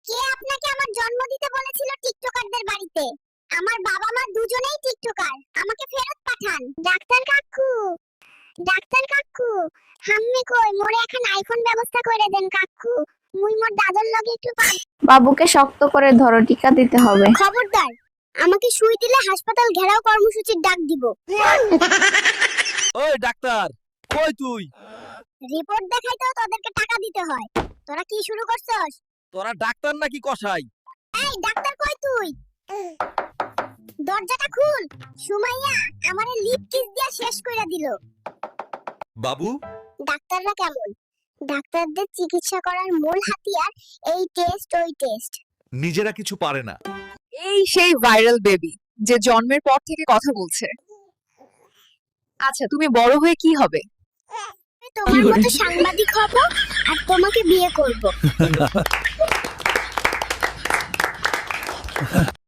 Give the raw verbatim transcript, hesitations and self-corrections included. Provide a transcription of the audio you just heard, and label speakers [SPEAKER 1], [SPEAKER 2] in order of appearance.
[SPEAKER 1] কে আপনাকে আমার জন্ম দিতে বলেছিল টিকটকারদের বাড়িতে? আমার বাবা মা দুজনেই টিকটকার, আমাকে ফেরত পাঠান। ডাক্তার কাকু, ডাক্তার কাকু, হাম্মি কই মোরে এখন আইফোন ব্যবস্থা করে দেন কাকু। মুই মোর দাদর লগে একটু পা-
[SPEAKER 2] বাবুকে শক্ত করে ধরো, টিকা দিতে হবে।
[SPEAKER 1] খবরদার, আমাকে সুই দিলে হাসপাতাল ঘেরাও কর্মসূচির ডাক দিব।
[SPEAKER 3] ওই ডাক্তার, কই তুই?
[SPEAKER 1] রিপোর্ট দেখাইতেও তোদেরকে টাকা দিতে হয়। তোরা কি শুরু করছস?
[SPEAKER 3] তোরা ডাক্তার নাকি কসাই?
[SPEAKER 1] এই ডাক্তার কই তুই? দরজাটা খুল। সুমাইয়া আমারে লিপ কিস দিয়া শেষ কইরা দিল।
[SPEAKER 3] বাবু,
[SPEAKER 1] ডাক্তাররা কেমন? ডাক্তারদের চিকিৎসা করার মূল হাতিয়ার এই টেস্ট ওই টেস্ট।
[SPEAKER 3] নিজেরা কিছু পারে না।
[SPEAKER 4] এই সেই ভাইরাল বেবি যে জন্মের পর থেকে কথা বলছে। আচ্ছা, তুমি বড় হয়ে কি হবে?
[SPEAKER 1] তোমার মতো সাংবাদিক হব আর তোমাকে বিয়ে করব।